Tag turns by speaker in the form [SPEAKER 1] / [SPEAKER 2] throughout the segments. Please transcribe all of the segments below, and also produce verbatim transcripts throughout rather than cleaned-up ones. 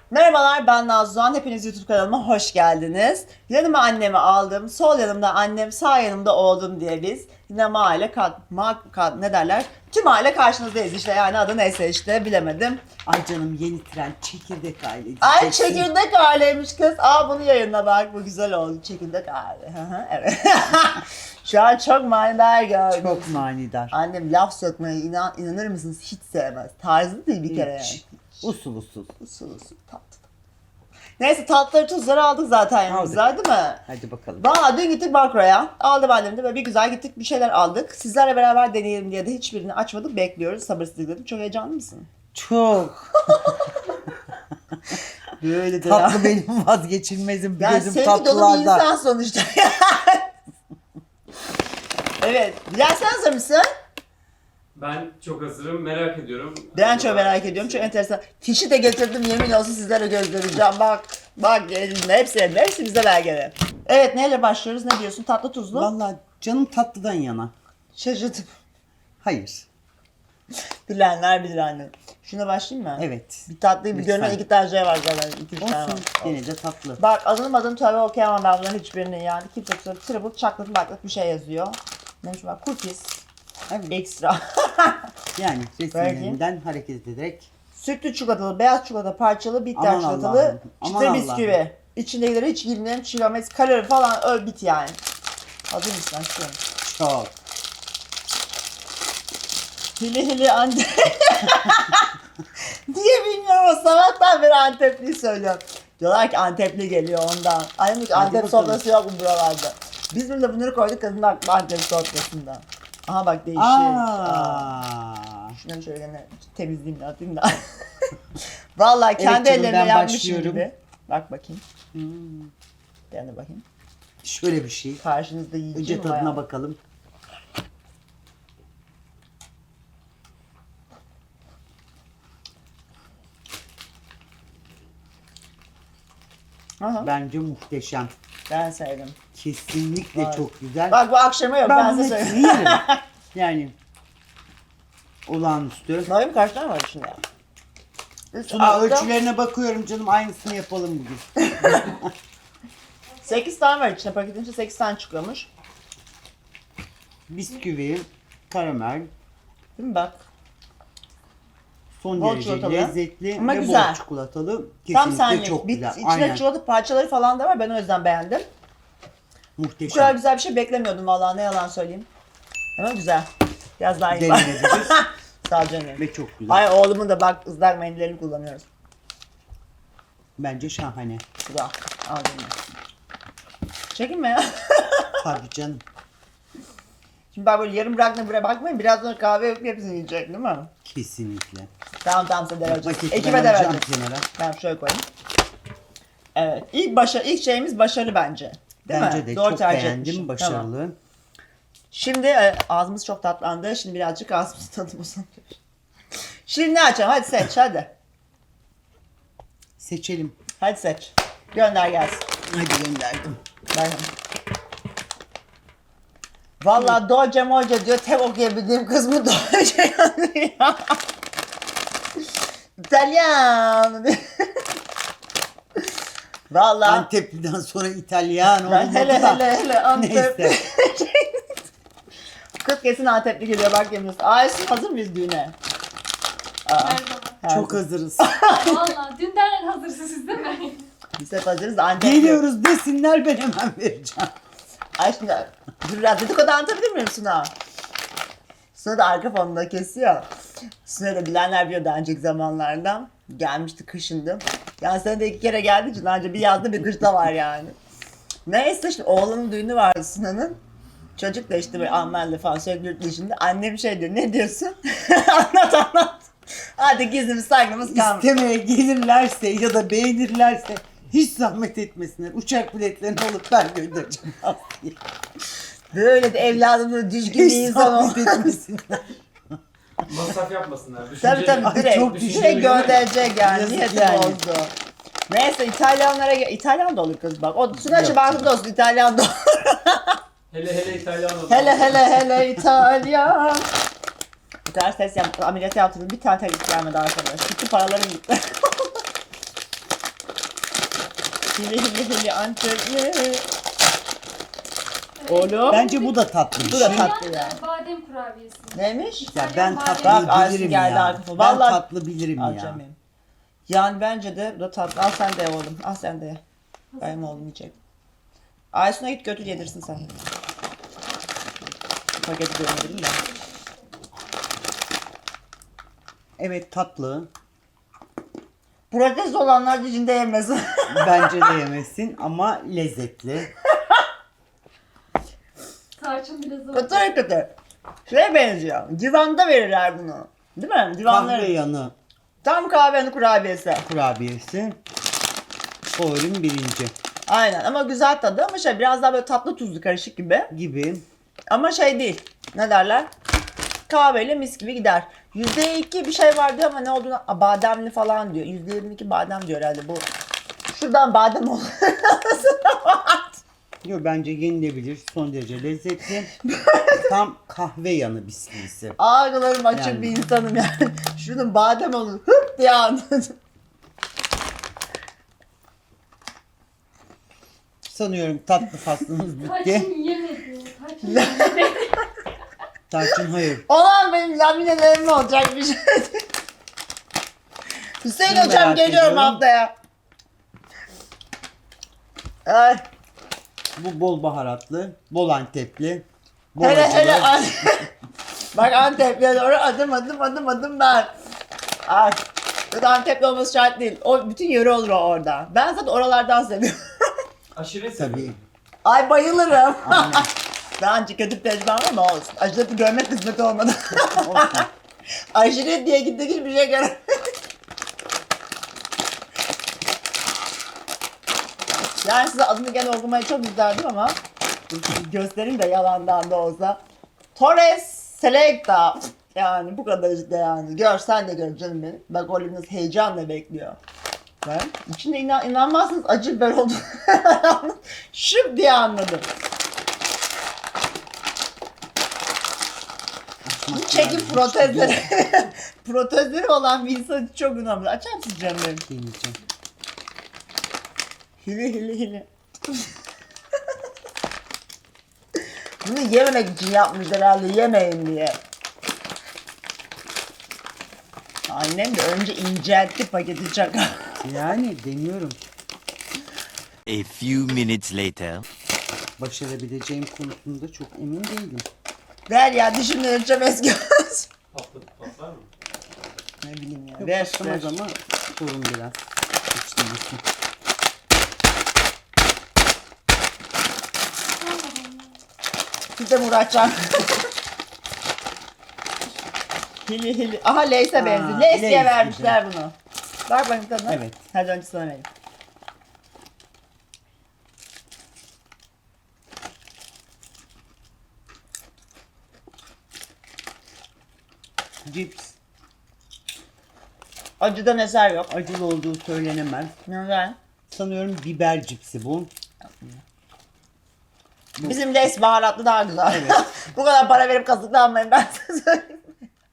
[SPEAKER 1] Merhabalar, ben Nazlıhan. Hepiniz YouTube kanalıma hoş geldiniz. Yanıma annemi aldım. Sol yanımda annem, sağ yanımda oğlum diye biz yine mahalle kat, ma, kat, ne derler? Tüm aile karşınızdayız işte, yani adı neyse işte bilemedim.
[SPEAKER 2] Ay canım, yeni trend çekirdek aile
[SPEAKER 1] Ay
[SPEAKER 2] diyeceksin.
[SPEAKER 1] çekirdek aileymiş kız. Aa bunu yayınla bak, bu güzel oldu. Çekirdek aile. Hı hı, evet. Şu an çok manidar gördüm.
[SPEAKER 2] Çok manidar.
[SPEAKER 1] Annem laf sökmeyi inan, inanır mısınız hiç sevmez. Tarzı değil bir kere yani.
[SPEAKER 2] Hiç. Usul usul.
[SPEAKER 1] Usul usul tatlı. Neyse tatlıları tuzları aldık zaten yanımıza değil mi?
[SPEAKER 2] Hadi bakalım.
[SPEAKER 1] Valla dün gittik Makro'ya. Aldım annem de böyle bir güzel gittik, bir şeyler aldık. Sizlerle beraber deneyelim diye de hiçbirini açmadık, bekliyoruz sabırsızlıkla. Çok heyecanlı mısın?
[SPEAKER 2] Çok.
[SPEAKER 1] Böyle de ya.
[SPEAKER 2] Tatlı benim vazgeçilmezim.
[SPEAKER 1] Yani
[SPEAKER 2] Gözüm
[SPEAKER 1] sevgi dolu bir
[SPEAKER 2] tatlılarda.
[SPEAKER 1] insan sonuçta. Evet. Bilal sen hazır mısın?
[SPEAKER 3] Ben çok hazırım, merak ediyorum.
[SPEAKER 1] Ben çok merak ediyorum. Çok enteresan. Fişi de getirdim, yemin olsun sizlere göstereceğim. Bak, bak elimde hepsi elimde. Hepsi bize belgeli. Evet, neyle başlıyoruz? Ne diyorsun? Tatlı tuzlu?
[SPEAKER 2] Vallahi canım tatlıdan yana.
[SPEAKER 1] Şaşırtıp.
[SPEAKER 2] Hayır.
[SPEAKER 1] Bilenler bilir annem. Şuna başlayayım mı?
[SPEAKER 2] Evet.
[SPEAKER 1] Bir tatlıyı bir
[SPEAKER 2] Lütfen.
[SPEAKER 1] görme, iki tane şey var zaten. İki üç tane var.
[SPEAKER 2] Olsun. Gene de tatlı.
[SPEAKER 1] Bak adını adını tabii okuyamam ben bunların hiçbirini yani. Kimse kusura triple chocolate baklık bir şey yazıyor. Neymiş bak, cookies.
[SPEAKER 2] Evet.
[SPEAKER 1] Ekstra.
[SPEAKER 2] Yani resimlerinden hareket ederek.
[SPEAKER 1] Sütlü çikolatalı, beyaz çikolata parçalı, bitter
[SPEAKER 2] Aman
[SPEAKER 1] çikolatalı,
[SPEAKER 2] Allah'ım, aman
[SPEAKER 1] çıtır bisküvi.
[SPEAKER 2] Allah'ım.
[SPEAKER 1] İçindekileri hiç girmeyelim, çiğnemez, kalori falan öl bit yani. Hazır mısın aşkım?
[SPEAKER 2] Çok.
[SPEAKER 1] Hili hili Antep. diye bilmiyorum ama sabahtan beri Antepli söylüyorum. Diyorlar ki Antepli geliyor ondan. Ay demiş, Antep
[SPEAKER 2] bakalım.
[SPEAKER 1] sofrası yok mu buralarda? Biz burada bunları koyduk, kadın aklı Antep sofrasında. Aha bak değişik. Aa.
[SPEAKER 2] Aa.
[SPEAKER 1] Şunları şöyle gene temizleyeyim de atayım da. Vallahi kendi
[SPEAKER 2] Evet canım,
[SPEAKER 1] ellerimle
[SPEAKER 2] ben
[SPEAKER 1] yapmışım
[SPEAKER 2] başlıyorum.
[SPEAKER 1] gibi. Bak bakayım.
[SPEAKER 2] Hmm.
[SPEAKER 1] Ben de bakayım.
[SPEAKER 2] Şöyle bir şey.
[SPEAKER 1] Karşınızda
[SPEAKER 2] Önce
[SPEAKER 1] yiyeceğim
[SPEAKER 2] tadına
[SPEAKER 1] ama.
[SPEAKER 2] bakalım.
[SPEAKER 1] Aha,
[SPEAKER 2] Bence muhteşem.
[SPEAKER 1] ben sevdim.
[SPEAKER 2] Kesinlikle
[SPEAKER 1] Vay.
[SPEAKER 2] çok güzel.
[SPEAKER 1] Bak bu akşama yok, ben,
[SPEAKER 2] ben
[SPEAKER 1] size
[SPEAKER 2] bunu
[SPEAKER 1] söyleyeyim.
[SPEAKER 2] hepsini yerim. Yani olağanüstü.
[SPEAKER 1] Bakayım kaç tane var içinde? Üst,
[SPEAKER 2] Tuna
[SPEAKER 1] altta
[SPEAKER 2] ölçülerine bakıyorum canım, aynısını yapalım bugün.
[SPEAKER 1] sekiz tane var içinde, paketin içinde sekiz tane çıkıyormuş.
[SPEAKER 2] Bisküvi, karamel,
[SPEAKER 1] Değil mi bak?
[SPEAKER 2] son
[SPEAKER 1] Bol
[SPEAKER 2] derece
[SPEAKER 1] çikolatalı.
[SPEAKER 2] lezzetli
[SPEAKER 1] Ama
[SPEAKER 2] ve
[SPEAKER 1] güzel.
[SPEAKER 2] bol çikolatalı.
[SPEAKER 1] Tam
[SPEAKER 2] Kesinlikle
[SPEAKER 1] senlik.
[SPEAKER 2] çok
[SPEAKER 1] Bir,
[SPEAKER 2] güzel.
[SPEAKER 1] içinde
[SPEAKER 2] Aynen.
[SPEAKER 1] çikolata parçaları falan da var, ben o yüzden beğendim. Bu kadar
[SPEAKER 2] Muhteşem.
[SPEAKER 1] güzel bir şey beklemiyordum vallahi, ne yalan söyleyeyim. Ama güzel. Biraz daha iyi.
[SPEAKER 2] Denenebilir
[SPEAKER 1] Sağ ol canım.
[SPEAKER 2] ve çok güzel.
[SPEAKER 1] Ay oğlumun da bak ıslak mendillerini kullanıyoruz.
[SPEAKER 2] Bence şahane.
[SPEAKER 1] Bu da. Al canım. Çekinme ya.
[SPEAKER 2] Tabii canım.
[SPEAKER 1] Şimdi ben böyle yarım bıraktım, buraya bakmayın. Biraz sonra kahve yapıp hepsini yiyecek değil mi?
[SPEAKER 2] Kesinlikle.
[SPEAKER 1] Tamam tamam, size de vereceğiz.
[SPEAKER 2] Paketi
[SPEAKER 1] Ekibe
[SPEAKER 2] ben
[SPEAKER 1] de
[SPEAKER 2] alacağım
[SPEAKER 1] vereceğiz.
[SPEAKER 2] kenara.
[SPEAKER 1] Ben şöyle koyayım. Evet. İlk başa ilk şeyimiz başarılı bence. Değil
[SPEAKER 2] Bence
[SPEAKER 1] mi?
[SPEAKER 2] de
[SPEAKER 1] Doğru
[SPEAKER 2] çok
[SPEAKER 1] tercih
[SPEAKER 2] beğendim.
[SPEAKER 1] etmişim.
[SPEAKER 2] Başarılı.
[SPEAKER 1] Tamam. Şimdi e, ağzımız çok tatlandı. Şimdi birazcık ağzımızı tadım uzanıyor. Şimdi ne açalım? Hadi seç hadi.
[SPEAKER 2] Seçelim.
[SPEAKER 1] Hadi seç. Gönder gelsin.
[SPEAKER 2] Hadi gönderdim.
[SPEAKER 1] Bakın. Valla Dolce Molce diyor. Tek okuyabildiğim kız bu Dolce ya. İtalyan. Valla.
[SPEAKER 2] Antepli'den sonra İtalyan
[SPEAKER 1] Ben
[SPEAKER 2] olmadı
[SPEAKER 1] hele
[SPEAKER 2] da.
[SPEAKER 1] hele hele Antep.
[SPEAKER 2] Neyse.
[SPEAKER 1] Kız kesin Antepli geliyor bak yemiyorsun. Aysun hazır mıyız düğüne? Aa,
[SPEAKER 4] Her zaman.
[SPEAKER 1] her
[SPEAKER 2] Çok
[SPEAKER 1] zaman.
[SPEAKER 2] hazırız.
[SPEAKER 4] Valla dünden hazırsınız siz değil mi?
[SPEAKER 1] Biz hep hazırız da Antepli.
[SPEAKER 2] Geliyoruz desinler, ben hemen vereceğim.
[SPEAKER 1] Ay şimdi dur biraz dedikodu anlatabilir miyim Suna? Suna da arka fonunda kesiyor. Suna da bilenler biliyor daha önceki zamanlardan. Gelmişti kışındı. Yani sen de iki kere geldiği için anca bir yazda bir kışta var yani. Neyse işte oğlanın düğünü vardı Suna'nın. Çocuk da işte böyle Almanlı falan sürekli yurt dışında. Annem şey diyor, ne diyorsun? anlat anlat. Hadi gizlimiz saklımız kalmış.
[SPEAKER 2] İstemeye gelirlerse ya da beğenirlerse hiç zahmet etmesinler. Uçak biletlerini alıp ben göndereceğim.
[SPEAKER 1] Böyle de evladımın düzgün bir
[SPEAKER 2] Hiç
[SPEAKER 1] insan ol.
[SPEAKER 2] zahmet etmesinler.
[SPEAKER 3] Masraf yapmasınlar. Düşünceli.
[SPEAKER 1] Tabii tabii
[SPEAKER 2] Ay,
[SPEAKER 1] direkt,
[SPEAKER 2] çok
[SPEAKER 1] direkt
[SPEAKER 3] düşünceli.
[SPEAKER 1] gönderecek yani.
[SPEAKER 2] Yazık
[SPEAKER 1] Niyeti
[SPEAKER 2] yani.
[SPEAKER 1] bozdu. Neyse İtalyanlara gel. İtalyan da olur kız bak. O Sunaç'ı
[SPEAKER 2] Yok
[SPEAKER 1] baktı olsun İtalyan da olur.
[SPEAKER 3] Hele hele İtalyan olur.
[SPEAKER 1] hele hele hele İtalyan. Bir tane ses yap, ameliyat yaptırdım. Bir tane tek gelmedi arkadaş. Gitti paralarım gitti. Hili hili hili Antepli. Oğlum.
[SPEAKER 2] Bence bu da tatlı bir
[SPEAKER 1] Bu da
[SPEAKER 2] şey.
[SPEAKER 1] tatlı ya.
[SPEAKER 4] İtalyan, e, badem kurabiyesi.
[SPEAKER 1] Neymiş?
[SPEAKER 2] Ya ben
[SPEAKER 4] Bak,
[SPEAKER 2] tatlı
[SPEAKER 1] Ayşe
[SPEAKER 2] bilirim
[SPEAKER 1] geldi
[SPEAKER 2] ya.
[SPEAKER 1] arkasına.
[SPEAKER 2] Ben
[SPEAKER 1] Vallahi-
[SPEAKER 2] tatlı bilirim ya.
[SPEAKER 1] Acemiyim. Yani bence de bu da tatlı. Al sen de ye oğlum. Al sen de ye. Benim oğlum yiyecek. Aysun'a git götür yedirsin sen. Paketi gönderelim de.
[SPEAKER 2] Evet tatlı.
[SPEAKER 1] Protest olanlar içinde yemesin.
[SPEAKER 2] Bence de yemesin ama lezzetli.
[SPEAKER 4] Tarçın biraz oldu.
[SPEAKER 1] Kötü kötü. Şeye benziyor. Divanda verirler bunu. Değil mi? Divanları.
[SPEAKER 2] Kahve yanı
[SPEAKER 1] Tam kahvenin kurabiyesi.
[SPEAKER 2] kurabiyesi. Favorim birinci
[SPEAKER 1] Aynen ama güzel tadı ama şey biraz daha böyle tatlı tuzlu karışık gibi.
[SPEAKER 2] gibi.
[SPEAKER 1] Ama şey değil. Ne derler? Kahveyle mis gibi gider. yüzde iki bir şey var diyor ama ne olduğunu Aa, bademli falan diyor. yüzde yirmi iki badem diyor herhalde bu. Şuradan badem olur.
[SPEAKER 2] Yo, bence yenilebilir. Son derece lezzetli. Tam kahve yanı bisküvisi.
[SPEAKER 1] Ağrılarım açık
[SPEAKER 2] Yani.
[SPEAKER 1] bir insanım yani. Şunun badem olur. Hıp diye anladım.
[SPEAKER 2] Sanıyorum tatlı faslımız bitti.
[SPEAKER 4] Tarçın yemedi. Tarçın yemedi.
[SPEAKER 2] Tarçın hayır.
[SPEAKER 1] Olan benim laminelerim olacak bir şey. Hüseyin
[SPEAKER 2] Bunu
[SPEAKER 1] hocam
[SPEAKER 2] merak
[SPEAKER 1] geliyorum
[SPEAKER 2] ediyorum.
[SPEAKER 1] haftaya. Ay.
[SPEAKER 2] Bu bol baharatlı, bol antepli, bol
[SPEAKER 1] Hele
[SPEAKER 2] acılı.
[SPEAKER 1] hele An- Bak Antep'e doğru adım adım adım adım ben. Ay. Bu da Antep'li olması şart değil. O bütün yöre olur o orada. Ben zaten oralardan seviyorum.
[SPEAKER 3] Aşiret
[SPEAKER 2] Tabii.
[SPEAKER 3] seviyorum.
[SPEAKER 1] Ay bayılırım.
[SPEAKER 2] Aynen.
[SPEAKER 1] Daha önce kötü bir tecrübem ama olsun. Aşireti görmek kısmet olmadı.
[SPEAKER 2] Olsun.
[SPEAKER 1] Aşiret diye gittik hiçbir şey göremedim. Yani size adını gene okumayı çok isterdim ama göstereyim de yalandan da olsa. Torres Selecta. Yani bu kadar işte yani. Gör sen de gör canım benim. Bak oğlunuz heyecanla bekliyor. Ben içinde inan, inanmazsınız acı biber oldu. Şıp diye anladım. Bu çekim protezleri. Protezleri olan bir insan için çok önemli. Açar mısın canım benim?
[SPEAKER 2] Deneyeceğim.
[SPEAKER 1] Hili hili hili. Bunu yememek için yapmış herhalde, yemeyin diye. Annem de önce inceltti paketi çakal.
[SPEAKER 2] Yani deniyorum.
[SPEAKER 5] A few minutes later.
[SPEAKER 2] Başarabileceğim konusunda çok emin değilim.
[SPEAKER 1] Ver ya dişimle ölçeceğim eski olsun.
[SPEAKER 3] Patlı, patlar mı?
[SPEAKER 1] Ne bileyim ya.
[SPEAKER 2] Yok
[SPEAKER 1] Ver,
[SPEAKER 2] patlamaz
[SPEAKER 1] ver.
[SPEAKER 2] ama sorun biraz. Hiç değilsin.
[SPEAKER 1] Bir de Muratcan. Hili hili. Aha Leys'e
[SPEAKER 2] Aa,
[SPEAKER 1] benziyor. Leys diye
[SPEAKER 2] Lay's
[SPEAKER 1] vermişler bunu. Bak bakayım tadına.
[SPEAKER 2] Evet.
[SPEAKER 1] Hadi önce sana vereyim.
[SPEAKER 2] Cips.
[SPEAKER 1] Acıdan eser yok.
[SPEAKER 2] Acılı olduğu söylenemez.
[SPEAKER 1] Neden?
[SPEAKER 2] Sanıyorum biber cipsi bu.
[SPEAKER 1] Bizim Leys baharatlı daha güzel.
[SPEAKER 2] Evet.
[SPEAKER 1] Bu kadar para verip kazıklanmayın ben size söyleyeyim.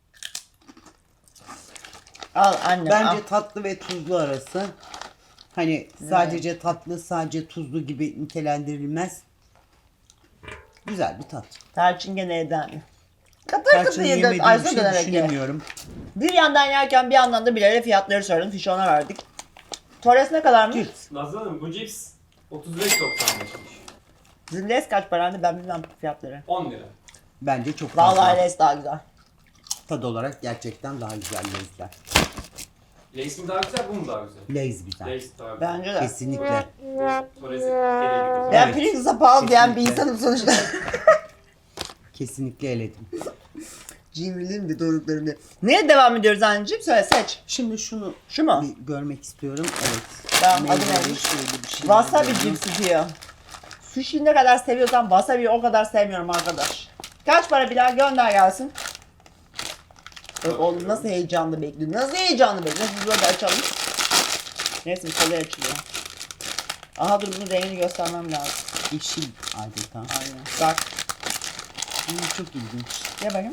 [SPEAKER 1] Al annem
[SPEAKER 2] Bence
[SPEAKER 1] al.
[SPEAKER 2] tatlı ve tuzlu arası. Hani sadece tatlı, sadece tuzlu gibi nitelendirilmez. Güzel bir tat.
[SPEAKER 1] Tarçın gene eden. Katır katır
[SPEAKER 2] Tarçını
[SPEAKER 1] yedi.
[SPEAKER 2] yemediğim
[SPEAKER 1] Ayşe
[SPEAKER 2] için
[SPEAKER 1] dönerek ye.
[SPEAKER 2] düşünemiyorum.
[SPEAKER 1] Bir yandan yerken bir yandan da Bilal'e fiyatları sordum. Fişi ona verdik. Torres ne kadarmış?
[SPEAKER 2] Cips.
[SPEAKER 3] Nazlı Hanım bu cips otuz beş doksan beşmiş.
[SPEAKER 1] Bizim Les kaç parandı ben bilmem fiyatları.
[SPEAKER 3] on lira.
[SPEAKER 2] Bence çok fazla.
[SPEAKER 1] Vallahi Les daha güzel.
[SPEAKER 2] Tad olarak gerçekten daha güzel lezzetler.
[SPEAKER 3] Lays mi daha güzel, bu mu daha güzel?
[SPEAKER 2] Lay's güzel.
[SPEAKER 3] Lays daha güzel.
[SPEAKER 1] Bence de.
[SPEAKER 2] Kesinlikle.
[SPEAKER 3] Torres'i eledik o zaman.
[SPEAKER 1] Ben
[SPEAKER 2] Evet.
[SPEAKER 1] Pringles'a pahalı diyen bir
[SPEAKER 2] Kesinlikle.
[SPEAKER 1] insanım sonuçta.
[SPEAKER 2] Kesinlikle eledim.
[SPEAKER 1] Cimriliğim de doruklarım diye. Neye devam ediyoruz anneciğim? Söyle seç.
[SPEAKER 2] Şimdi şunu
[SPEAKER 1] Şu mu?
[SPEAKER 2] bir görmek istiyorum. Evet.
[SPEAKER 1] Tamam, adı
[SPEAKER 2] Meyveli
[SPEAKER 1] neymiş?
[SPEAKER 2] şöyle bir şey.
[SPEAKER 1] Wasabi cipsi diyor. Sushi ne kadar seviyorsam wasabi'yi o kadar sevmiyorum arkadaş. Kaç para Bilal gönder gelsin. Bak oğlum nasıl heyecanlı bekliyor. Nasıl heyecanlı bekliyor. Biz böyle açalım. Neyse kolay açılıyor. Aha dur bunun rengini göstermem lazım.
[SPEAKER 2] Yeşil adeta.
[SPEAKER 1] Aynen. Bak.
[SPEAKER 2] Hmm, çok ilginç.
[SPEAKER 1] Gel bakayım.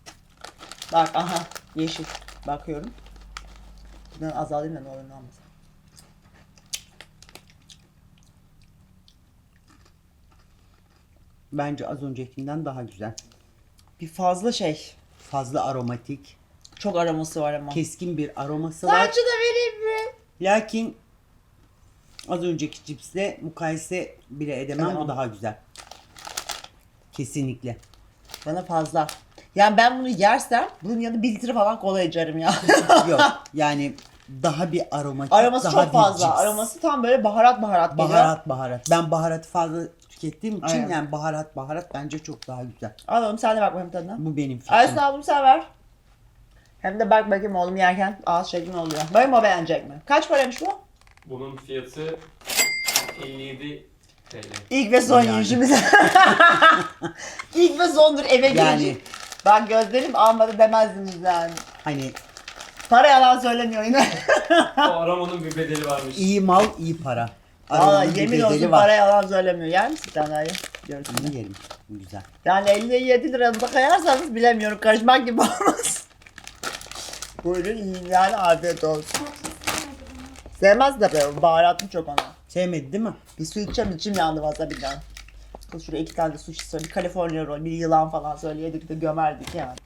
[SPEAKER 1] Bak aha yeşil. Bakıyorum. Buradan azalayım da ne olur ne olmaz.
[SPEAKER 2] bence az öncekinden daha güzel.
[SPEAKER 1] Bir fazla şey.
[SPEAKER 2] Fazla aromatik,
[SPEAKER 1] Çok aroması var ama.
[SPEAKER 2] keskin bir aroması var.
[SPEAKER 1] Saçı da vereyim mi?
[SPEAKER 2] Lakin az önceki cipsle mukayese bile edemem.
[SPEAKER 1] Edemem.
[SPEAKER 2] Bu daha güzel. Kesinlikle.
[SPEAKER 1] Bana fazla. Yani ben bunu yersem bunun yanında bir litre falan kola içerim ya.
[SPEAKER 2] Yok yani daha bir aromatik,
[SPEAKER 1] Aroması
[SPEAKER 2] daha
[SPEAKER 1] çok fazla.
[SPEAKER 2] bir cips.
[SPEAKER 1] Aroması tam böyle baharat baharat geliyor.
[SPEAKER 2] Baharat baharat. Ben baharatı fazla tükettiğim için
[SPEAKER 1] Aynen.
[SPEAKER 2] yani baharat baharat bence çok daha güzel.
[SPEAKER 1] Alalım sen de bak bakayım tadına.
[SPEAKER 2] Bu benim fikrim.
[SPEAKER 1] Aysun abim sen ver. Hem de bak bakayım oğlum yerken ağız şeklin oluyor. Bakayım o beğenecek mi? Kaç paraymış bu?
[SPEAKER 3] Bunun fiyatı elli yedi T L.
[SPEAKER 1] İlk ve son
[SPEAKER 2] Yani.
[SPEAKER 1] yiyişimiz. İlk ve sondur eve
[SPEAKER 2] Yani.
[SPEAKER 1] girecek. Bak gözlerim almadı demezdiniz yani.
[SPEAKER 2] Hani
[SPEAKER 1] Para yalan söylemiyor yine.
[SPEAKER 3] O aramanın bir bedeli varmış.
[SPEAKER 2] iyi mal iyi para.
[SPEAKER 1] Valla
[SPEAKER 2] Aromanın bir
[SPEAKER 1] yemin
[SPEAKER 2] bedeli
[SPEAKER 1] olsun
[SPEAKER 2] var.
[SPEAKER 1] para yalan söylemiyor. Yer misin sen dayı? Görürsün.
[SPEAKER 2] Bunu yerim. Bu güzel.
[SPEAKER 1] Yani elli yedi liranıza kayarsanız bilemiyorum. Karışmak gibi olmaz. Buyurun yiyin yani afiyet olsun. Sevmez de böyle baharatlı çok ona.
[SPEAKER 2] Sevmedi değil mi?
[SPEAKER 1] Bir su içeceğim içim yandı wasabi'den. Kız şuraya iki tane de sushi söyle. Bir California roll, bir yılan falan söyleyedik de gömerdik yani.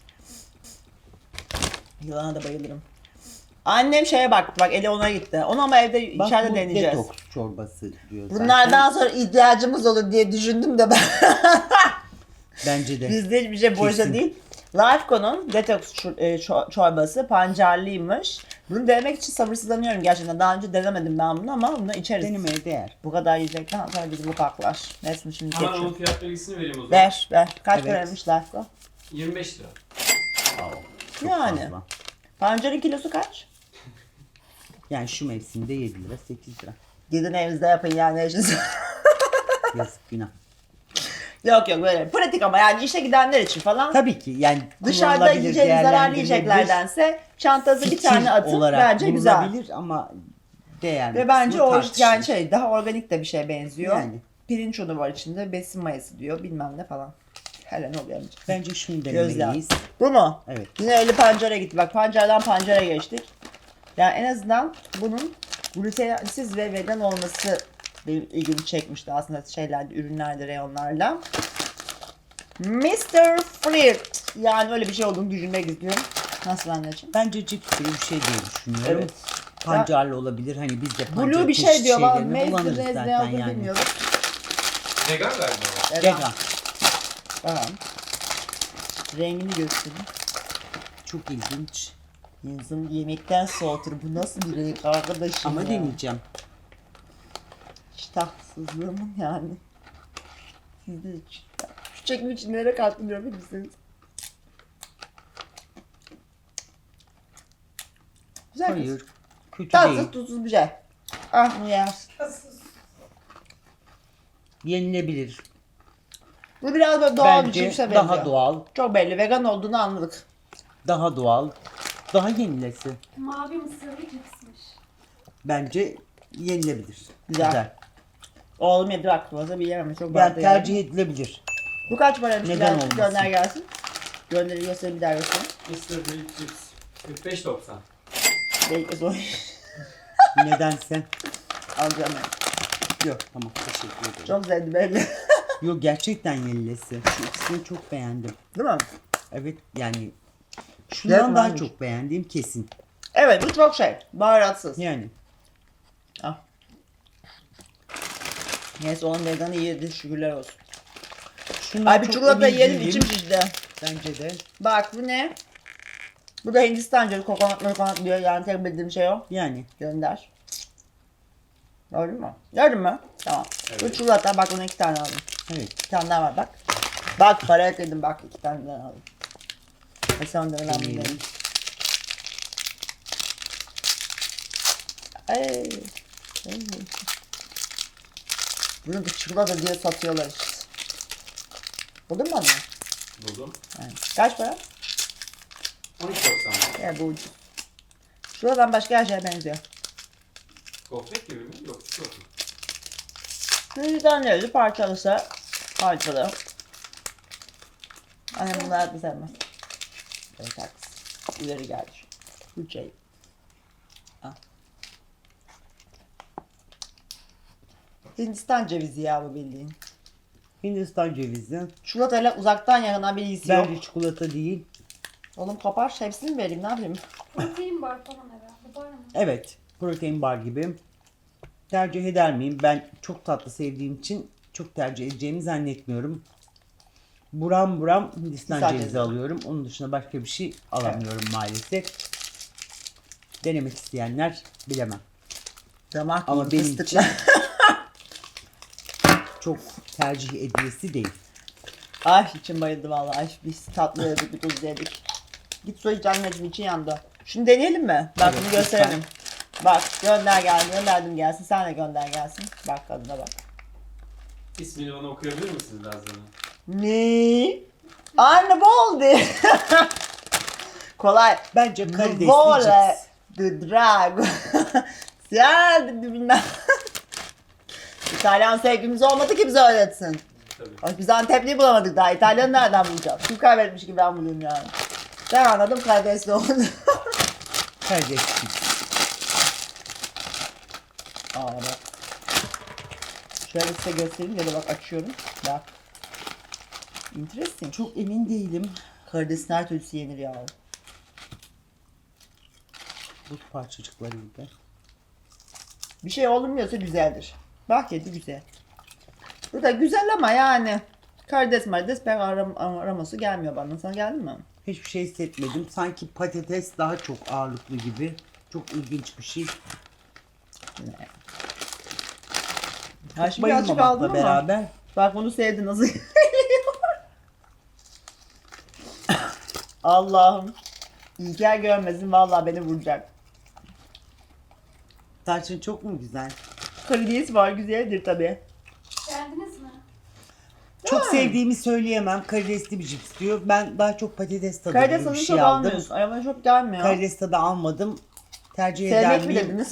[SPEAKER 1] Yılana da bayılırım. Annem şeye baktı bak eli ona gitti. Onu ama evde
[SPEAKER 2] Bak
[SPEAKER 1] içeride
[SPEAKER 2] bu
[SPEAKER 1] deneyeceğiz.
[SPEAKER 2] detoks çorbası diyor zaten.
[SPEAKER 1] Bunlardan sonra ihtiyacımız olur diye düşündüm de ben.
[SPEAKER 2] Bence de.
[SPEAKER 1] Bizde hiçbir şey boşa
[SPEAKER 2] Kesin.
[SPEAKER 1] değil. Lifeco'nun detoks çor- e, ço- çorbası pancarlıymış. Bunu denemek için sabırsızlanıyorum gerçekten. Daha önce denemedim ben bunu ama bunu içeriz.
[SPEAKER 2] Denemeye değer.
[SPEAKER 1] Bu kadar yiyecekten sonra bizi bu kaklar. Neyse şimdi
[SPEAKER 3] Hemen onun
[SPEAKER 1] geçiyorum.
[SPEAKER 3] fiyat bilgisini vereyim o zaman.
[SPEAKER 1] Ver ver. Kaç
[SPEAKER 2] Evet.
[SPEAKER 1] paraymış Lifeco?
[SPEAKER 3] yirmi beş lira.
[SPEAKER 2] Çok
[SPEAKER 1] Yani.
[SPEAKER 2] fazla.
[SPEAKER 1] Pancarın kilosu kaç?
[SPEAKER 2] Yani şu mevsimde yedi lira sekiz lira.
[SPEAKER 1] Gidin evinizde yapın yani eşiniz.
[SPEAKER 2] Yazık günah.
[SPEAKER 1] Yok yok böyle pratik ama yani işe gidenler için falan.
[SPEAKER 2] Tabii ki yani
[SPEAKER 1] Dışarıda
[SPEAKER 2] kullanılabilir,
[SPEAKER 1] yiyeceğiniz zararlı
[SPEAKER 2] değerlendirilebilir,
[SPEAKER 1] yiyeceklerdense çantanıza bir
[SPEAKER 2] fikir
[SPEAKER 1] tane atın
[SPEAKER 2] olarak
[SPEAKER 1] bence güzel.
[SPEAKER 2] bulunabilir ama değer
[SPEAKER 1] Ve bence
[SPEAKER 2] kısmı
[SPEAKER 1] o
[SPEAKER 2] tartışılır.
[SPEAKER 1] yani şey daha organik de bir şey benziyor.
[SPEAKER 2] Yani.
[SPEAKER 1] Pirinç unu var içinde, besin mayası diyor bilmem ne falan. Hele ne oluyor amca?
[SPEAKER 2] Bence şunu
[SPEAKER 1] Gözler.
[SPEAKER 2] denemeliyiz.
[SPEAKER 1] Bu mu?
[SPEAKER 2] Evet.
[SPEAKER 1] Yine öyle pancara gitti. Bak pancardan pancara geçtik. Yani en azından bunun glutensiz ve vegan olması benim ilgimi çekmişti aslında şeylerde, ürünlerde, reyonlarda. mister Flirt. Yani öyle bir şey olduğunu düşünmek istiyorum. Nasıl anneciğim?
[SPEAKER 2] Bence cips gibi bir şey diye düşünüyorum.
[SPEAKER 1] Evet.
[SPEAKER 2] Pancarlı olabilir. Hani biz de pancar
[SPEAKER 1] Blue bir şey
[SPEAKER 2] çeşit
[SPEAKER 1] diyor. Bana
[SPEAKER 2] şeylerini
[SPEAKER 1] mezde
[SPEAKER 2] kullanırız
[SPEAKER 1] mezde
[SPEAKER 2] zaten
[SPEAKER 1] yazdı
[SPEAKER 2] yani.
[SPEAKER 1] bilmiyorum.
[SPEAKER 3] Vegan galiba o.
[SPEAKER 1] Vegan.
[SPEAKER 2] Vegan.
[SPEAKER 1] Tamam. Rengini göstereyim.
[SPEAKER 2] Çok ilginç.
[SPEAKER 1] Yazın yemekten soğutur. Bu nasıl bir renk arkadaşım
[SPEAKER 2] Ama
[SPEAKER 1] ya?
[SPEAKER 2] deneyeceğim.
[SPEAKER 1] İştahsızlığımın yani. Sizde de çıktı. Şu çekim için nereye kalktım görmek misiniz? Güzel kız.
[SPEAKER 2] Hayır. Kötü
[SPEAKER 1] Tatsız
[SPEAKER 2] değil.
[SPEAKER 1] tuzsuz bir şey. Ah bunu yersin.
[SPEAKER 2] Yenilebilir.
[SPEAKER 1] Bu biraz böyle doğal bir
[SPEAKER 2] Bence
[SPEAKER 1] cipse benziyor.
[SPEAKER 2] daha doğal.
[SPEAKER 1] Çok belli vegan olduğunu anladık.
[SPEAKER 2] Daha doğal. Daha yenilesi.
[SPEAKER 4] Mavi mısırlı cipsmiş.
[SPEAKER 2] Bence yenilebilir.
[SPEAKER 1] Güzel. Oğlum yedi bak fazla bir yemem. Çok
[SPEAKER 2] Yani
[SPEAKER 1] bardağı
[SPEAKER 2] tercih
[SPEAKER 1] yedim.
[SPEAKER 2] edilebilir.
[SPEAKER 1] Bu kaç paraymış?
[SPEAKER 2] Neden
[SPEAKER 1] Biraz
[SPEAKER 2] olmasın?
[SPEAKER 1] Gönder gelsin. Gönderi göster bir daha göster.
[SPEAKER 3] mister Grilled Chips kırk beş doksan.
[SPEAKER 1] Belki zor.
[SPEAKER 2] Nedense.
[SPEAKER 1] Alacağım ben.
[SPEAKER 2] Yok tamam teşekkür ederim.
[SPEAKER 1] Çok zevkli belli.
[SPEAKER 2] Yok gerçekten yenilesi. Şu ikisini çok beğendim.
[SPEAKER 1] Değil mi?
[SPEAKER 2] Evet yani şundan
[SPEAKER 1] Evet,
[SPEAKER 2] daha
[SPEAKER 1] varmış.
[SPEAKER 2] çok beğendiğim kesin.
[SPEAKER 1] Evet bu çok şey. Baharatsız.
[SPEAKER 2] Yani
[SPEAKER 1] Al. Neyse onun veganı iyiydi şükürler olsun.
[SPEAKER 2] şundan
[SPEAKER 1] Ay bir
[SPEAKER 2] çok
[SPEAKER 1] çikolata
[SPEAKER 2] emin
[SPEAKER 1] yiyelim
[SPEAKER 2] değilim.
[SPEAKER 1] içim şişti.
[SPEAKER 2] Bence de.
[SPEAKER 1] Bak bu ne? Bu da Hindistan cevizi kokonat kokonat diyor yani tek bildiğim şey o.
[SPEAKER 2] Yani
[SPEAKER 1] Gönder. Gördün mü? Gördün mü? Tamam. Bu
[SPEAKER 3] Evet.
[SPEAKER 1] çikolata bak ona iki tane aldım.
[SPEAKER 2] evet.
[SPEAKER 1] Bir tane daha var bak. Bak paraya kıydım bak iki tane daha aldım. E sen de önemli
[SPEAKER 2] Deneyelim.
[SPEAKER 1] değil. Ay. Ay. Bunu da çikolata diye satıyorlar işte. Buldun mu onu?
[SPEAKER 3] Buldum.
[SPEAKER 1] Yani. Kaç para?
[SPEAKER 3] on iki doksan.
[SPEAKER 1] Ya bu ucuz. Şuradan başka her şeye benziyor.
[SPEAKER 3] Gofret gibi mi? Yok çikolata.
[SPEAKER 1] Yüzden neydi? Parçalısa parçalı. Annem bunları hayatta sevmez. Evet haklısın. İleri geldi. Bu şey. Al. Hindistan cevizi ya bu bildiğin.
[SPEAKER 2] Hindistan cevizi.
[SPEAKER 1] Çikolatayla uzaktan yakından bir ilgisi yok.
[SPEAKER 2] Bence çikolata değil.
[SPEAKER 1] Oğlum kopar hepsini mi vereyim ne yapayım?
[SPEAKER 4] Protein bar falan herhalde. Var mı?
[SPEAKER 2] Evet. Protein bar gibi. Tercih eder miyim? Ben çok tatlı sevdiğim için çok tercih edeceğimi zannetmiyorum. Buram buram Hindistan
[SPEAKER 1] Hindistan
[SPEAKER 2] cevizi
[SPEAKER 1] cevizi.
[SPEAKER 2] alıyorum. Onun dışında başka bir şey alamıyorum maalesef. Denemek isteyenler bilemem.
[SPEAKER 1] Damak
[SPEAKER 2] Ama
[SPEAKER 1] gibi
[SPEAKER 2] benim
[SPEAKER 1] fıstıklı.
[SPEAKER 2] için çok tercih edilesi değil.
[SPEAKER 1] Ay içim bayıldı vallahi. Ay biz tatlı yedik, bir tuz yedik. Git su iç anneciğim için yandı. Şunu deneyelim mi? Bak
[SPEAKER 2] Evet,
[SPEAKER 1] bunu gösterelim. Bak gönder geldi, gönderdim gelsin. Sen de gönder gelsin. Bak kadına bak.
[SPEAKER 3] İsmini bana okuyabilir misiniz Nazlı Hanım?
[SPEAKER 1] Ne? Anne bu oldu. Kolay.
[SPEAKER 2] Bence karidesli
[SPEAKER 1] Vole
[SPEAKER 2] cips.
[SPEAKER 1] the drago. Ya dedi bilmem. İtalyan sevgimiz olmadı ki bize öğretsin.
[SPEAKER 3] Tabii.
[SPEAKER 1] Ay, biz Antepli'yi bulamadık daha. İtalyanı nereden bulacağız? Kim kaybetmiş gibi ben bulayım yani. Ben anladım karidesli oldu.
[SPEAKER 2] Karidesli cips.
[SPEAKER 1] Aa bak. Şöyle size göstereyim ya da bak açıyorum. Bak. Interesting.
[SPEAKER 2] Çok emin değilim.
[SPEAKER 1] Karidesin her türlüsü yenir ya.
[SPEAKER 2] Buz parçacıkları gibi.
[SPEAKER 1] Bir şey olmuyorsa güzeldir. Bak yedi güzel. Bu da güzel ama yani. Karides marides pek aram araması gelmiyor bana. Sana geldi mi?
[SPEAKER 2] Hiçbir şey hissetmedim. Sanki patates daha çok ağırlıklı gibi. Çok ilginç bir şey.
[SPEAKER 1] Ha şimdi birazcık aldım
[SPEAKER 2] Bayılmamakla
[SPEAKER 1] ama.
[SPEAKER 2] beraber.
[SPEAKER 1] Bak bunu sevdi nasıl Allah'ım. İlker görmesin vallahi beni vuracak.
[SPEAKER 2] Tarçın çok mu güzel?
[SPEAKER 1] Karides var güzeldir tabi.
[SPEAKER 4] Beğendiniz mi?
[SPEAKER 2] Çok sevdiğimi söyleyemem. Karidesli bir cips diyor. Ben daha çok patates tadı
[SPEAKER 1] Karides
[SPEAKER 2] gibi
[SPEAKER 1] onun
[SPEAKER 2] bir
[SPEAKER 1] çok
[SPEAKER 2] şey aldım.
[SPEAKER 1] almıyorsun. Ay bana çok gelmiyor.
[SPEAKER 2] Karides tadı almadım. Tercih eder
[SPEAKER 1] Sevmek mi
[SPEAKER 2] miyim?
[SPEAKER 1] dediniz?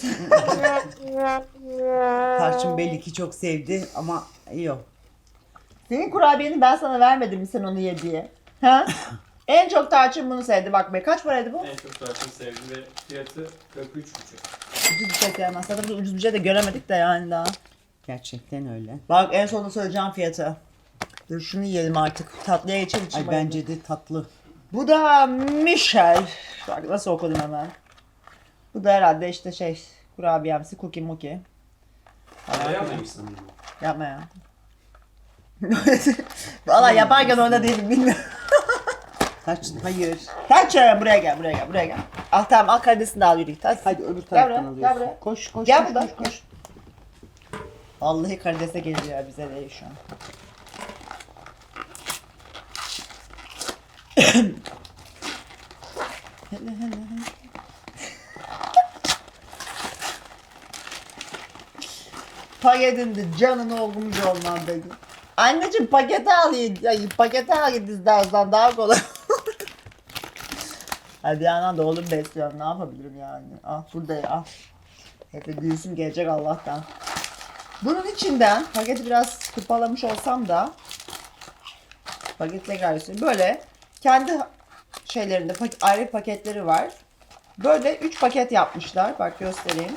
[SPEAKER 2] Tarçın belli ki çok sevdi ama yok.
[SPEAKER 1] Senin kurabiyeni ben sana vermedim mi sen onu ye diye? Ha? En çok tarçın bunu sevdi. Bak be kaç paraydı bu?
[SPEAKER 3] En çok tarçın sevdi ve fiyatı kırk üç buçuk.
[SPEAKER 1] Ucuz bir şey sevmez. Zaten biz ucuz bir şey de göremedik de yani daha.
[SPEAKER 2] Gerçekten öyle.
[SPEAKER 1] Bak en sonunda söyleyeceğim fiyatı. Dur şunu yiyelim artık. Tatlıya geçelim için.
[SPEAKER 2] Ay bence de tatlı.
[SPEAKER 1] Bu da Michel. Bak nasıl okudum hemen. Bu da herhalde işte şey kurabiyemsi cookie muki.
[SPEAKER 3] Parayı almamışsın bunu.
[SPEAKER 1] Yapma ya. Valla yaparken orada değilim bilmiyorum.
[SPEAKER 2] Tarçın hayır.
[SPEAKER 1] Kaç ya buraya gel buraya gel buraya gel. Al tamam al karidesini de al yürü git. Hadi.
[SPEAKER 2] Hadi öbür
[SPEAKER 1] Gel
[SPEAKER 2] taraftan
[SPEAKER 1] buraya,
[SPEAKER 2] alıyorsun.
[SPEAKER 1] gel buraya.
[SPEAKER 2] Koş koş
[SPEAKER 1] Gel
[SPEAKER 2] koş,
[SPEAKER 1] buradan,
[SPEAKER 2] koş koş.
[SPEAKER 1] Vallahi karidese geliyor bize değil şu an. Hele hele hele. Paketin de canını okumuş olmam dedi. Anneciğim paketi al ya, paketi al git istersen daha kolay. Hadi yandan da oğlum besliyorum ne yapabilirim yani. Ah burada ya al. Hep de gülsüm gelecek Allah'tan. Bunun içinden paketi biraz kırpalamış olsam da paketle gayet böyle kendi şeylerinde pak- ayrı paketleri var. Böyle üç paket yapmışlar. Bak göstereyim.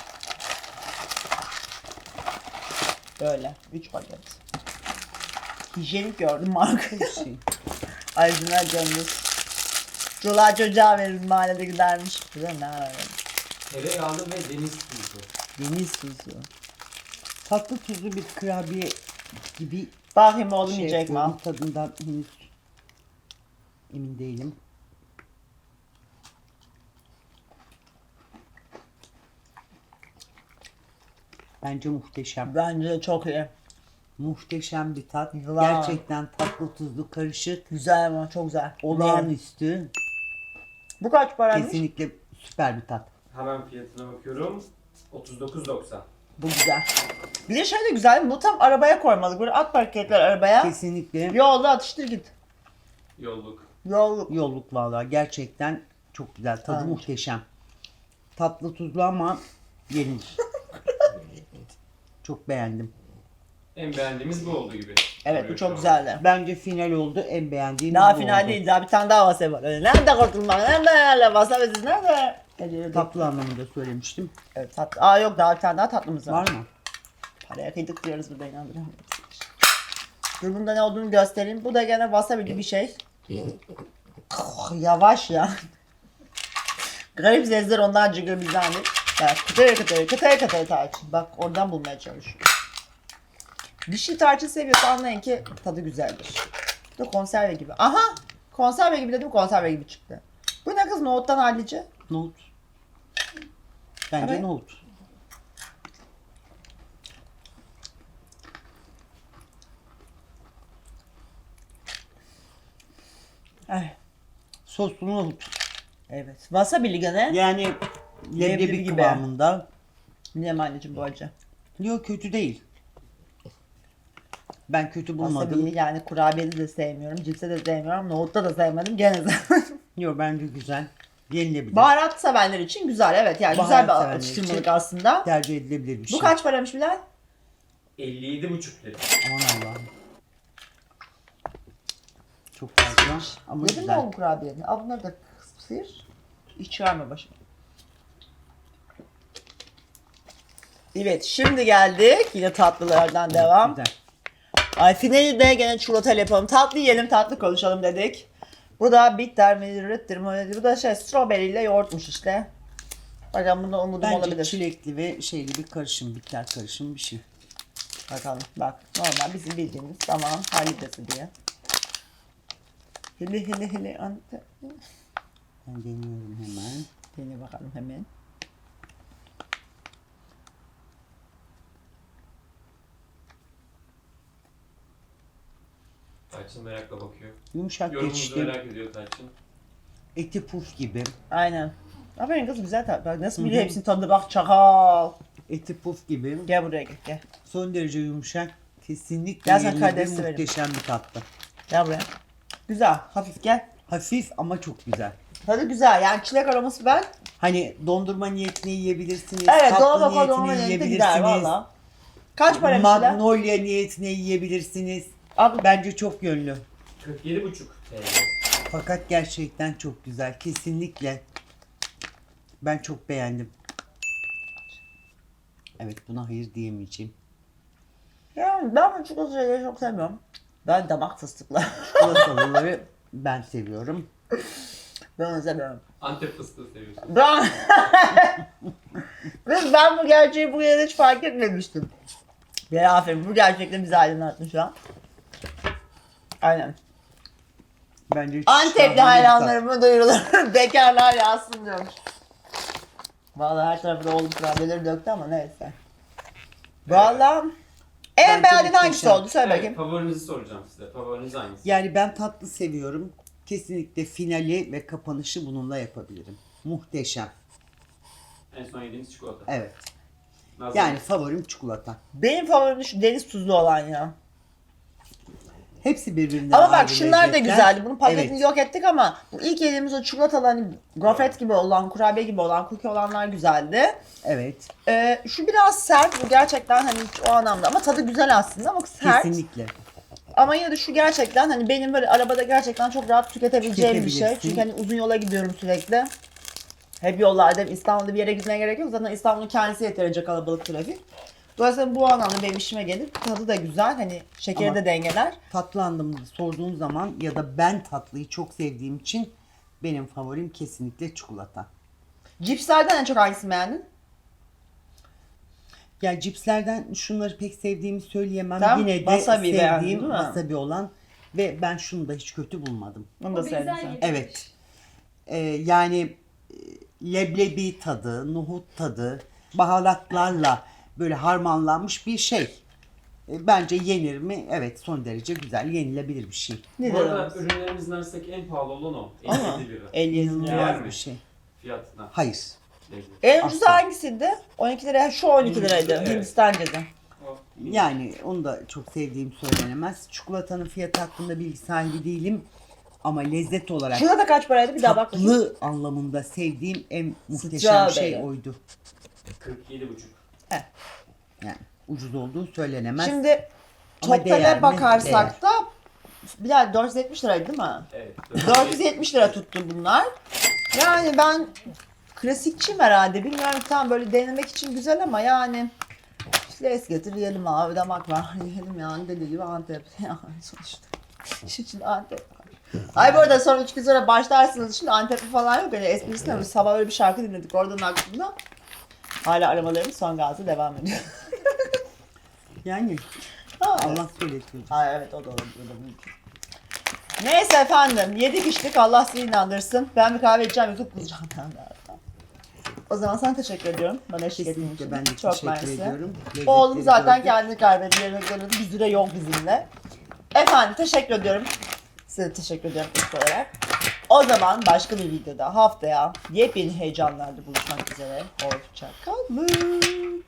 [SPEAKER 1] Böyle üç paket. Hijyenik gördüm marka.
[SPEAKER 2] Bir şey.
[SPEAKER 1] Aydınlar canınız. Çoluğa çocuğa veririz mahallede gidermiş. Bize ne ararım.
[SPEAKER 3] Tereyağlı ve deniz tuzu.
[SPEAKER 1] Deniz tuzu.
[SPEAKER 2] Tatlı tuzlu bir kurabiye gibi
[SPEAKER 1] Bakayım oğlum
[SPEAKER 2] şey
[SPEAKER 1] yiyecek mi?
[SPEAKER 2] yapıyorum. Tadından henüz emin değilim. Bence muhteşem.
[SPEAKER 1] Bence de çok iyi.
[SPEAKER 2] Muhteşem bir tat.
[SPEAKER 1] Yılan.
[SPEAKER 2] Gerçekten tatlı tuzlu karışık.
[SPEAKER 1] Güzel ama çok güzel.
[SPEAKER 2] Olağanüstü.
[SPEAKER 1] Bu kaç paraymış?
[SPEAKER 2] Kesinlikle süper bir tat.
[SPEAKER 3] Hemen fiyatına bakıyorum. otuz dokuz doksan.
[SPEAKER 1] Bu güzel. Bir de şey de güzel. Bu tam arabaya koymalık. Böyle at paketler arabaya.
[SPEAKER 2] Kesinlikle
[SPEAKER 1] Yolda atıştır git.
[SPEAKER 3] Yolluk.
[SPEAKER 1] Yol.
[SPEAKER 2] yolluk vallahi. Gerçekten çok güzel. Tadı
[SPEAKER 1] Evet.
[SPEAKER 2] muhteşem. Tatlı tuzlu ama yenilir. Çok beğendim.
[SPEAKER 3] En beğendiğimiz bu oldu gibi.
[SPEAKER 1] Evet bu
[SPEAKER 3] Duruyor
[SPEAKER 1] çok
[SPEAKER 3] şu an.
[SPEAKER 1] güzeldi.
[SPEAKER 2] Bence final oldu. En beğendiğim
[SPEAKER 1] Daha
[SPEAKER 2] bu
[SPEAKER 1] final
[SPEAKER 2] oldu.
[SPEAKER 1] değil. Daha bir tane daha wasabi var. Öyle. Nerede kurtulmak? Nerede yerle wasabi siz nerede? Eceli
[SPEAKER 2] Tatlı anlamında söylemiştim.
[SPEAKER 1] Evet tatlı. Aa yok daha bir tane daha tatlımız var.
[SPEAKER 2] Var mı?
[SPEAKER 1] Paraya kıydık diyoruz burada inandırıyorum. Dur bunda ne olduğunu göstereyim. Bu da gene wasabi gibi bir şey. Yavaş ya. Garip sesler ondan çıkıyor bizden değil. Evet, kıtır kıtır kıtır kıtır tarçın. Bak oradan bulmaya çalışıyorum. Bir şey tarçın seviyorsa anlayın ki tadı güzeldir. Bu da konserve gibi. Aha! Konserve gibi dedim, konserve gibi çıktı. Bu ne kız, nohuttan hallice?
[SPEAKER 2] Nohut. Bence
[SPEAKER 1] Evet.
[SPEAKER 2] nohut.
[SPEAKER 1] Ay,
[SPEAKER 2] Soslu nohut.
[SPEAKER 1] evet. Wasabi'li gene.
[SPEAKER 2] Yani
[SPEAKER 1] Leblebi
[SPEAKER 2] leblebi
[SPEAKER 1] gibi.
[SPEAKER 2] kıvamında.
[SPEAKER 1] Bilmiyorum anneciğim bu acı.
[SPEAKER 2] Yok, kötü değil. Ben kötü bulmadım.
[SPEAKER 1] Wasabi'yi yani kurabiyeli de sevmiyorum, cipse de sevmiyorum, nohutta da sevmedim, gene sevmedim.
[SPEAKER 2] Yok, bence güzel. Yenilebilir.
[SPEAKER 1] Baharat sevenler için güzel, evet yani
[SPEAKER 2] Baharat
[SPEAKER 1] güzel bir
[SPEAKER 2] sevenler
[SPEAKER 1] atıştırmalık
[SPEAKER 2] için
[SPEAKER 1] aslında.
[SPEAKER 2] Tercih edilebilir bir şey.
[SPEAKER 1] Bu kaç paramış Bilal?
[SPEAKER 3] elli yedi buçuk lira.
[SPEAKER 2] Aman Allah'ım. Çok fazla ama
[SPEAKER 1] Yedin mi
[SPEAKER 2] güzel.
[SPEAKER 1] oğlum kurabiyeni? Al bunları da sıyır. Hiç çıkarma başıma. Evet, şimdi geldik. Yine tatlılardan devam.
[SPEAKER 2] Güzel.
[SPEAKER 1] Ay finali de gene çikolatayla yapalım. Tatlı yiyelim, tatlı konuşalım dedik. Bu da bitter mi, rıttır mı? Bu da şey, strawberry ile yoğurtmuş işte. Bakalım bunda umudum
[SPEAKER 2] Bence
[SPEAKER 1] olabilir.
[SPEAKER 2] çilekli ve şeyli bir karışım, bitter karışım bir şey.
[SPEAKER 1] Bakalım bak, normal bizim bildiğimiz tamam halidesi diye. Hili hili hili ante.
[SPEAKER 2] Ben deniyorum hemen.
[SPEAKER 1] Dene bakalım hemen.
[SPEAKER 3] Tarçın merakla bakıyor.
[SPEAKER 2] Yumuşak
[SPEAKER 3] Yorumunuzu
[SPEAKER 2] geçti.
[SPEAKER 3] merak ediyor Tarçın.
[SPEAKER 2] Eti puf gibi.
[SPEAKER 1] Aynen. Aferin kız, güzel tat. Bak nasıl biliyor
[SPEAKER 2] Hı hı.
[SPEAKER 1] hepsinin tadına, bak çakal.
[SPEAKER 2] Eti puf gibi.
[SPEAKER 1] Gel buraya gel gel.
[SPEAKER 2] Son derece yumuşak. Kesinlikle
[SPEAKER 1] Gel sen
[SPEAKER 2] yenilebilir,
[SPEAKER 1] karidesi verin.
[SPEAKER 2] muhteşem bir tatlı.
[SPEAKER 1] Gel buraya. Güzel, hafif gel.
[SPEAKER 2] Hafif ama çok güzel.
[SPEAKER 1] Tadı güzel yani çilek aroması ben.
[SPEAKER 2] Hani dondurma niyetine yiyebilirsiniz.
[SPEAKER 1] Evet,
[SPEAKER 2] tatlı
[SPEAKER 1] dolaba koy,
[SPEAKER 2] niyetine
[SPEAKER 1] dolaba niyetine gider
[SPEAKER 2] yiyebilirsiniz.
[SPEAKER 1] valla. Kaç para bir şeyler?
[SPEAKER 2] Magnolia niyetine yiyebilirsiniz.
[SPEAKER 1] Abi
[SPEAKER 2] Bence çok yönlü.
[SPEAKER 3] kırk yedi buçuk T L.
[SPEAKER 2] Fakat gerçekten çok güzel. Kesinlikle. Ben çok beğendim. Evet, buna hayır diyemeyeceğim.
[SPEAKER 1] yani ben bu çikolata şeyleri çok sevmiyorum. Ben damak fıstıklı.
[SPEAKER 2] Çikolatalıları ben seviyorum.
[SPEAKER 1] Ben onu sevmiyorum.
[SPEAKER 3] Antep fıstığı seviyorsun.
[SPEAKER 1] Ben... Kız ben bu gerçeği bu yere hiç fark etmemiştim. Bir aferin, bu gerçekten bizi aydınlatmış şu an. Aynen.
[SPEAKER 2] Bence hiç
[SPEAKER 1] Antepli
[SPEAKER 2] şahane bir tat.
[SPEAKER 1] hayranlarıma duyurulur. Bekarlar yazsın diyorum. Vallahi her tarafı da oğlum kurabiyeleri döktü ama neyse. Vallahi en
[SPEAKER 2] Bence
[SPEAKER 1] beğendiğin hangisi
[SPEAKER 2] muhteşem.
[SPEAKER 1] oldu? Söyle
[SPEAKER 3] Evet,
[SPEAKER 1] bakayım.
[SPEAKER 3] favorinizi soracağım size. Favoriniz hangisi?
[SPEAKER 2] Yani ben tatlı seviyorum. Kesinlikle finali ve kapanışı bununla yapabilirim. Muhteşem.
[SPEAKER 3] En son yediğiniz çikolata.
[SPEAKER 2] Evet.
[SPEAKER 3] Nasıl?
[SPEAKER 2] Yani favorim çikolata.
[SPEAKER 1] Benim favorim şu deniz tuzlu olan ya.
[SPEAKER 2] Hepsi birbirinden
[SPEAKER 1] Ama bak
[SPEAKER 2] ayrı
[SPEAKER 1] şunlar da
[SPEAKER 2] lezzetler.
[SPEAKER 1] güzeldi. Bunun paketini
[SPEAKER 2] Evet.
[SPEAKER 1] yok ettik ama bu ilk yediğimiz o çikolatalı hani gofret gibi olan, kurabiye gibi olan, cookie olanlar güzeldi.
[SPEAKER 2] Evet.
[SPEAKER 1] Ee, şu biraz sert. Bu gerçekten hani hiç o anlamda ama tadı güzel aslında ama sert.
[SPEAKER 2] Kesinlikle.
[SPEAKER 1] Ama yine de şu gerçekten hani benim böyle arabada gerçekten çok rahat tüketebileceğim bir şey.
[SPEAKER 2] Tüketebilirsin.
[SPEAKER 1] Çünkü hani uzun yola gidiyorum sürekli. Hep yollarda, İstanbul'da bir yere gitmeye gerek yok. Zaten İstanbul'un kendisi yeterince kalabalık trafik. Dolayısıyla bu anlamda benim işime gelir. Tadı da güzel. Hani şekeri
[SPEAKER 2] Ama-
[SPEAKER 1] de dengeler.
[SPEAKER 2] Tatlı anlamında sorduğun zaman ya da ben tatlıyı çok sevdiğim için benim favorim kesinlikle çikolata.
[SPEAKER 1] Cipslerden en çok hangisini beğendin?
[SPEAKER 2] Ya cipslerden şunları pek sevdiğimi söyleyemem.
[SPEAKER 1] Tamam,
[SPEAKER 2] Yine de
[SPEAKER 1] wasabi beğendin,
[SPEAKER 2] sevdiğim
[SPEAKER 1] değil mi?
[SPEAKER 2] wasabi olan ve ben şunu da hiç kötü bulmadım.
[SPEAKER 1] Bunu da
[SPEAKER 4] O
[SPEAKER 1] sevdim
[SPEAKER 4] benzer
[SPEAKER 1] sen.
[SPEAKER 4] yedim.
[SPEAKER 2] Evet. Ee, yani e, leblebi tadı, nohut tadı, baharatlarla böyle harmanlanmış bir şey. E, bence yenir mi? Evet, son derece güzel, yenilebilir bir şey.
[SPEAKER 1] Ne
[SPEAKER 3] Bu arada
[SPEAKER 1] dedim?
[SPEAKER 3] ürünlerimizin arasındaki en pahalı olan o.
[SPEAKER 1] Ama
[SPEAKER 3] elli yedi lira.
[SPEAKER 1] elli lira.
[SPEAKER 2] İnanılmaz
[SPEAKER 3] Yer mi?
[SPEAKER 2] bir şey.
[SPEAKER 3] Fiyatına.
[SPEAKER 2] Hayır.
[SPEAKER 3] Lezzet.
[SPEAKER 1] En ucuz
[SPEAKER 2] Asla.
[SPEAKER 1] hangisiydi? on iki lira. Şu on iki liraydı.
[SPEAKER 3] Evet.
[SPEAKER 1] Hindistan cevizi.
[SPEAKER 3] O.
[SPEAKER 2] Yani onu da çok sevdiğim söylenemez. Çikolatanın fiyatı hakkında bilgi sahibi değilim. Ama lezzet olarak
[SPEAKER 1] Şurada da kaç paraydı? Bir daha bak bakayım.
[SPEAKER 2] tatlı anlamında sevdiğim en muhteşem
[SPEAKER 1] Strawberry.
[SPEAKER 2] şey oydu.
[SPEAKER 3] kırk yedi buçuk.
[SPEAKER 2] Yani ucuz olduğu söylenemez.
[SPEAKER 1] Şimdi
[SPEAKER 2] Ama değer
[SPEAKER 1] totale
[SPEAKER 2] mi?
[SPEAKER 1] bakarsak da Bilal dört yüz yetmiş liraydı değil mi?
[SPEAKER 3] Evet.
[SPEAKER 1] dört yüz yetmiş lira tuttu bunlar. Yani ben klasikçiyim herhalde. Bilmiyorum, tam böyle denemek için güzel ama yani Les getir yiyelim abi, damak var. Yiyelim yani, deli gibi Antep. Yani sonuçta. İş için Antep. Ay bu arada sonra üç gün sonra başlarsınız. Şimdi Antep'li falan yok. Yani esprisine mi? Sabah öyle bir şarkı dinledik oradan aklımda. Hala aramalarımız son gazı devam ediyor.
[SPEAKER 2] Yani
[SPEAKER 1] Ha,
[SPEAKER 2] Allah söyletiyor.
[SPEAKER 1] Ay evet, o da olabilir. O da mümkün. Neyse efendim, yedik içtik, Allah sizi inandırsın. Ben bir kahve içeceğim, YouTube bulacağım ben de. O zaman sana teşekkür ediyorum. Bana eşlik ettiğin için.
[SPEAKER 2] Kesinlikle ben de
[SPEAKER 1] Çok
[SPEAKER 2] teşekkür
[SPEAKER 1] mersi.
[SPEAKER 2] ediyorum.
[SPEAKER 1] Oğlum
[SPEAKER 2] Lezzetleri
[SPEAKER 1] zaten
[SPEAKER 2] gördük.
[SPEAKER 1] kendini kaybetti, yerine geldi. Bir süre yok bizimle. Efendim teşekkür ediyorum. Size teşekkür ediyorum ilk olarak. O zaman başka bir videoda haftaya yepyeni heyecanlarda buluşmak üzere. Hoşça kalın.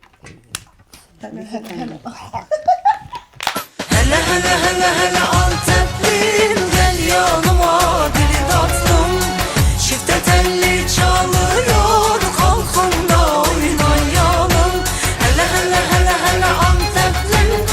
[SPEAKER 1] Hele hele hele.
[SPEAKER 5] Hele hele hele hele Antep.